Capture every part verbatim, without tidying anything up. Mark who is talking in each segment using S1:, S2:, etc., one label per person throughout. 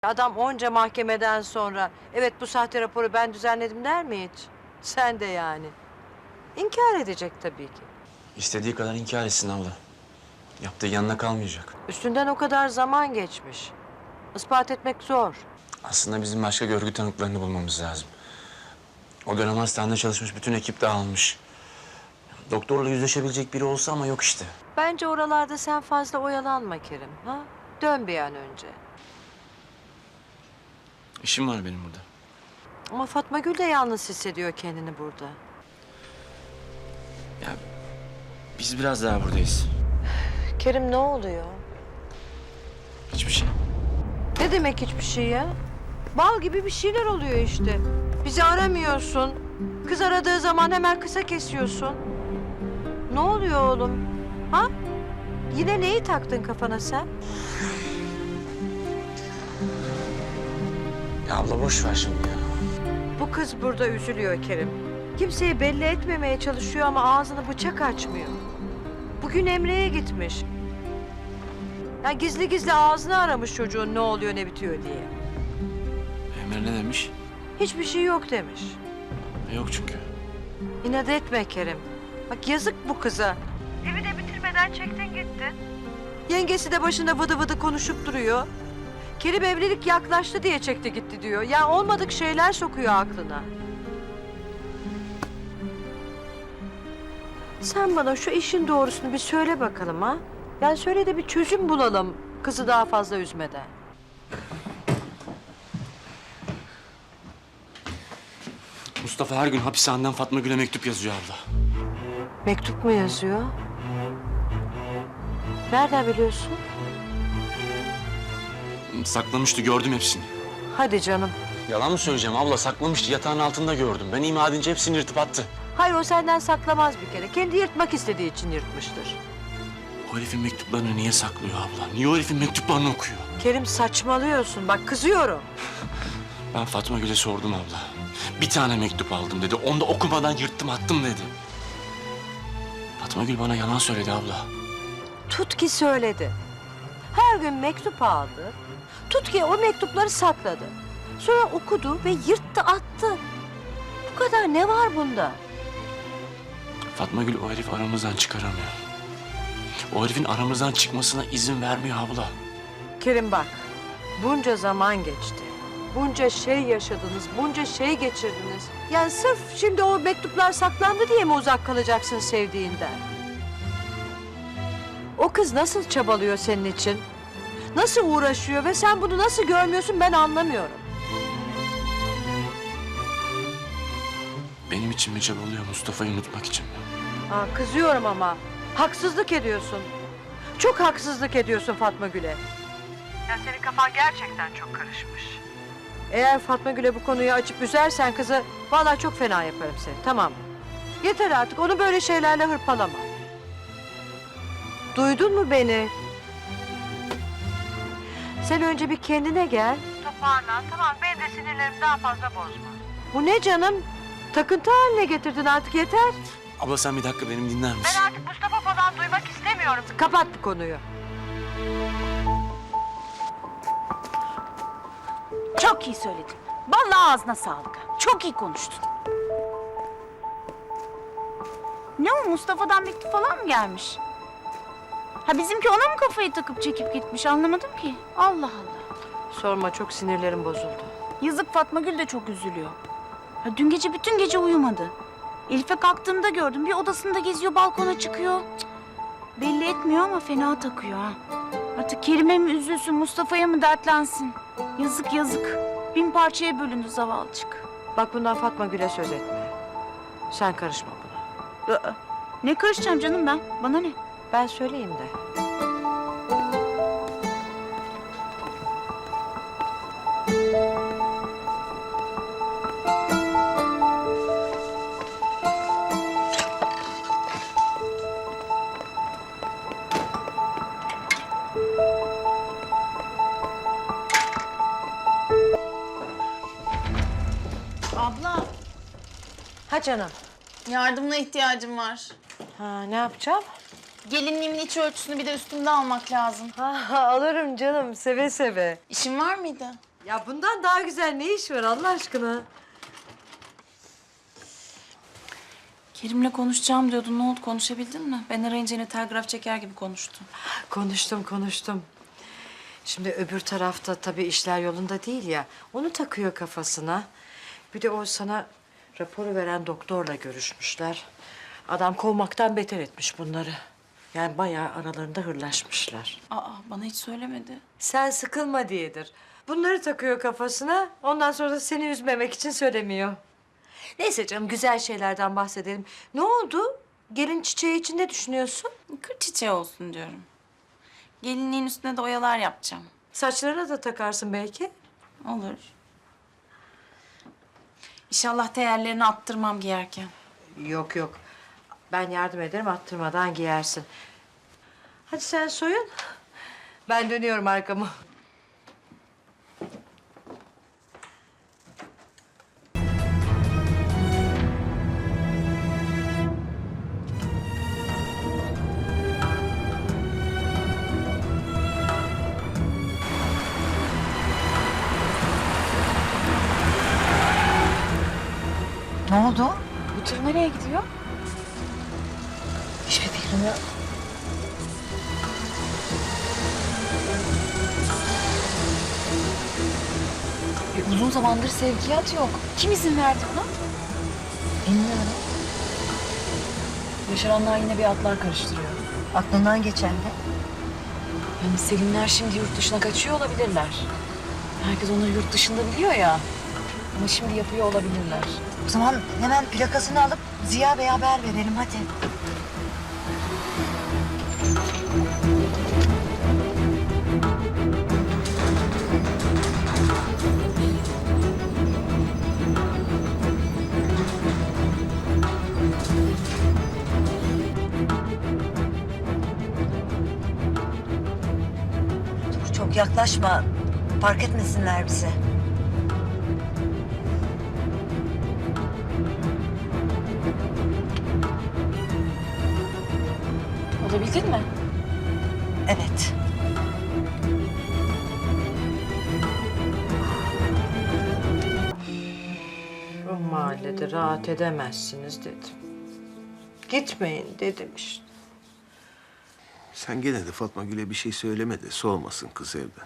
S1: Adam onca mahkemeden sonra evet bu sahte raporu ben düzenledim der mi hiç? Sen de yani. İnkar edecek tabii ki.
S2: İstediği kadar inkar etsin abla. Yaptığı yanına kalmayacak.
S1: Üstünden o kadar zaman geçmiş. İspat etmek zor.
S2: Aslında bizim başka görgü tanıklarını bulmamız lazım. O dönem hastanede çalışmış bütün ekip dağılmış. Doktorla yüzleşebilecek biri olsa ama yok işte.
S1: Bence oralarda sen fazla oyalanma Kerim. Ha? Dön bir an önce.
S2: İşim var benim burada.
S1: Ama Fatma Gül de yalnız hissediyor kendini burada.
S2: Ya biz biraz daha buradayız.
S1: Kerim ne oluyor?
S2: Hiçbir şey.
S1: Ne demek hiçbir şey ya? Bal gibi bir şeyler oluyor işte. Bizi aramıyorsun. Kız aradığı zaman hemen kısa kesiyorsun. Ne oluyor oğlum? Ha? Yine neyi taktın kafana sen?
S2: Ya abla boş ver şimdi ya.
S1: Bu kız burada üzülüyor Kerim. Kimseyi belli etmemeye çalışıyor ama ağzını bıçak açmıyor. Bugün Emre'ye gitmiş. Ya gizli gizli ağzını aramış çocuğun ne oluyor ne bitiyor diye.
S2: Emre ne demiş?
S1: Hiçbir şey yok demiş.
S2: Yok çünkü.
S1: İnat etme Kerim. Bak yazık bu kıza. Evi de bitirmeden çektin gittin. Yengesi de başında vıdı vıdı konuşup duruyor. Kerim evlilik yaklaştı diye çekti gitti diyor. Ya olmadık şeyler sokuyor aklına. Sen bana şu işin doğrusunu bir söyle bakalım ha. Yani söyle de bir çözüm bulalım kızı daha fazla üzmeden.
S2: Mustafa her gün hapishaneden Fatma Gül'e mektup yazıyor abla.
S1: Mektup mu yazıyor? Nereden biliyorsun?
S2: Saklamıştı, gördüm hepsini.
S1: Hadi canım.
S2: Yalan mı söyleyeceğim abla? Saklamıştı, yatağın altında gördüm. Ben ima edince hepsini yırtıp attı.
S1: Hayır o senden saklamaz bir kere. Kendi yırtmak istediği için yırtmıştır.
S2: O herifin mektuplarını niye saklıyor abla? Niye o herifin mektuplarını okuyor?
S1: Kerim saçmalıyorsun. Bak kızıyorum.
S2: Ben Fatma Gül'e sordum abla. Bir tane mektup aldım dedi. Onu da okumadan yırttım attım dedi. Fatma Gül bana yalan söyledi abla.
S1: Tut ki söyledi. Her gün mektup aldı. Tut ki o mektupları sakladı. Sonra okudu ve yırttı attı. Bu kadar ne var bunda?
S2: Fatma Gül o herifi aramızdan çıkaramıyor. O herifin aramızdan çıkmasına izin vermiyor abla.
S1: Kerim bak. Bunca zaman geçti. Bunca şey yaşadınız, bunca şey geçirdiniz. Yani sırf şimdi o mektuplar saklandı diye mi uzak kalacaksın sevdiğinden? O kız nasıl çabalıyor senin için? Nasıl uğraşıyor ve sen bunu nasıl görmüyorsun ben anlamıyorum.
S2: Benim için mi çabalıyor, Mustafa'yı unutmak için mi?
S1: Aa, kızıyorum ama. Haksızlık ediyorsun. Çok haksızlık ediyorsun Fatma Gül'e. Ya senin kafan gerçekten çok karışmış. Eğer Fatma Gül'e bu konuyu açıp üzersen kızı... ...vallahi çok fena yaparım seni, tamam mı? Yeter artık, onu böyle şeylerle hırpalama. Duydun mu beni? Sen önce bir kendine gel. Toparlan, tamam. Benim de sinirlerimi daha fazla bozma. Bu ne canım? Takıntı haline getirdin artık, yeter.
S2: Abla sen bir dakika benim dinler misin?
S1: Ben artık Mustafa falan duymak istemiyorum. Kapat bu konuyu.
S3: Çok iyi söyledin. Vallahi ağzına sağlık. Çok iyi konuştun. Ne o, Mustafa'dan mektup falan mı gelmiş? Ha bizimki ona mı kafayı takıp çekip gitmiş, anlamadım ki. Allah Allah.
S1: Sorma, çok sinirlerim bozuldu.
S3: Yazık, Fatma Gül de çok üzülüyor. Ha, dün gece bütün gece uyumadı. Elif'e kalktığımda gördüm. Bir odasında geziyor, balkona çıkıyor. Cık, belli etmiyor ama fena takıyor ha. Artık Kerim'e mi üzülsün, Mustafa'ya mı dertlensin? Yazık yazık. Bin parçaya bölündü zavallıcık.
S1: Bak bundan Fatma Gül'e söz etme. Sen karışma buna.
S3: Aa, ne karışacağım canım ben? Bana ne?
S1: Ben söyleyeyim de.
S4: Abla,
S1: Ha canım.
S4: yardımına ihtiyacım var.
S1: Ha, ne yapacağım?
S4: Gelinliğimin iç ölçüsünü bir de üstümde almak lazım.
S1: Ha, alırım canım, seve seve.
S4: İşin var mıydı?
S1: Ya bundan daha güzel ne iş var Allah aşkına?
S3: Kerim'le konuşacağım diyordun. Ne oldu? Konuşabildin mi? Ben arayınca yine telgraf çeker gibi konuştun.
S1: Konuştum konuştum. Şimdi öbür tarafta tabii işler yolunda değil ya. Onu takıyor kafasına. Bir de o sana raporu veren doktorla görüşmüşler. Adam kovmaktan beter etmiş bunları. Yani bayağı aralarında hırlaşmışlar.
S3: Aa, bana hiç söylemedi.
S1: Sen sıkılma diyedir. Bunları takıyor kafasına. Ondan sonra da seni üzmemek için söylemiyor. Neyse canım güzel şeylerden bahsedelim. Ne oldu? Gelin çiçeği için ne düşünüyorsun?
S3: Kır çiçeği olsun diyorum. Gelinliğin üstüne de oyalar yapacağım.
S1: Saçlarına da takarsın belki.
S3: Olur. İnşallah değerlerini attırmam giyerken.
S1: Yok yok. Ben yardım ederim attırmadan giyersin. Hadi sen soyun. Ben dönüyorum arkamı. Ne oldu?
S3: Bu tır nereye gidiyor?
S1: Hiçbir fikrim yok.
S3: E, uzun zamandır sevkiyat yok. Kim izin verdi buna?
S1: Bilmiyorum.
S3: Yaşaranlar yine bir atlar karıştırıyor.
S1: Aklından geçen de.
S3: Yani Selimler şimdi yurt dışına kaçıyor olabilirler. Herkes onları yurt dışında biliyor ya. Ama şimdi yapıyor olabilirler.
S1: O zaman hemen plakasını alıp Ziya Bey'e haber verelim hadi. Dur, çok yaklaşma. Fark etmesinler bizi.
S3: Olabildin mi?
S1: Evet. Bu mahallede rahat edemezsiniz dedim. Gitmeyin dedim işte.
S5: Sen gene de Fatma Gül'e bir şey söyleme de soğumasın kız evden.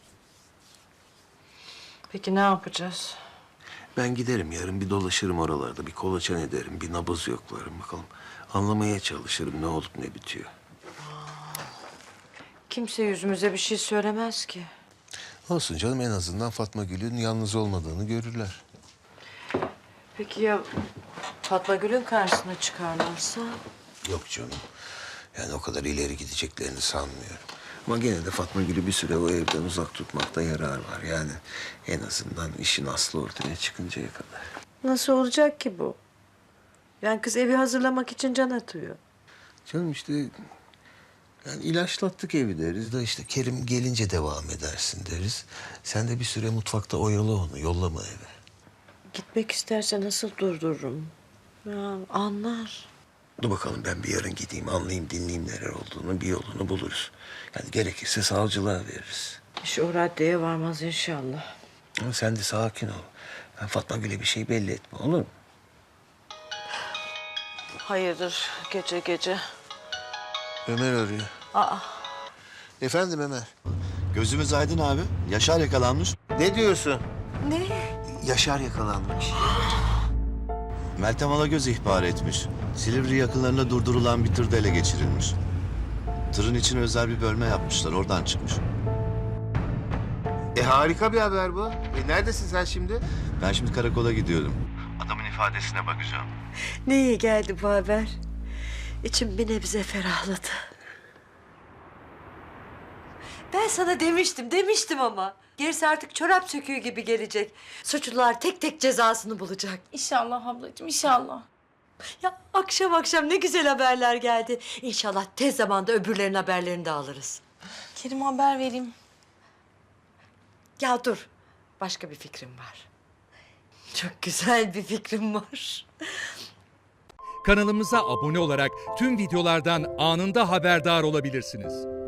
S1: Peki ne yapacağız?
S5: Ben giderim yarın bir dolaşırım oralarda, bir kolaçan ederim, bir nabız yoklarım bakalım. Anlamaya çalışırım ne olup ne bitiyor.
S1: Kimse yüzümüze bir şey söylemez ki.
S5: Olsun canım en azından Fatma Gül'ün yalnız olmadığını görürler.
S1: Peki ya Fatma Gül'ün karşısına çıkarlarsa?
S5: Yok canım. Yani o kadar ileri gideceklerini sanmıyorum. Ama gene de Fatma Gül'ü bir süre o evden uzak tutmakta yarar var. Yani en azından işin aslı ortaya çıkıncaya kadar.
S1: Nasıl olacak ki bu? Yani kız evi hazırlamak için can atıyor.
S5: Canım işte yani ilaçlattık evi deriz da işte Kerim gelince devam edersin deriz. Sen de bir süre mutfakta oyalı onu, yollama eve.
S1: Gitmek isterse nasıl durdururum? Ya anlar.
S5: Dur bakalım ben bir yarın gideyim, anlayayım, dinleyeyim neler olduğunu, bir yolunu buluruz. Yani gerekirse savcılığa veririz.
S1: İş o raddeye varmaz inşallah.
S5: Ama sen de sakin ol. Ben Fatma Gül'e bir şey belli etme, olur mu?
S1: Hayırdır gece gece?
S5: Ömer arıyor.
S1: Aa.
S5: Efendim Ömer.
S6: Gözümüz aydın abi. Yaşar yakalanmış.
S5: Ne diyorsun?
S1: Ne?
S5: Yaşar yakalanmış.
S6: Meltem Alagöz ihbar etmiş. Silivri yakınlarında durdurulan bir tırda ele geçirilmiş. Tırın için özel bir bölme yapmışlar. Oradan çıkmış.
S5: E harika bir haber bu. E neredesin sen şimdi?
S6: Ben şimdi karakola gidiyorum. Adamın ifadesine bakacağım.
S1: Ne iyi geldi bu haber. İçim bir nebze ferahladı. Ben sana demiştim, demiştim ama. Gerisi artık çorap söküğü gibi gelecek. Suçlular tek tek cezasını bulacak.
S3: İnşallah ablacığım, inşallah.
S1: Ya akşam akşam ne güzel haberler geldi. İnşallah tez zamanda öbürlerin haberlerini de alırız.
S3: Kerim haber vereyim.
S1: Ya dur, başka bir fikrim var. Çok güzel bir fikrim var.
S7: Kanalımıza abone olarak tüm videolardan anında haberdar olabilirsiniz.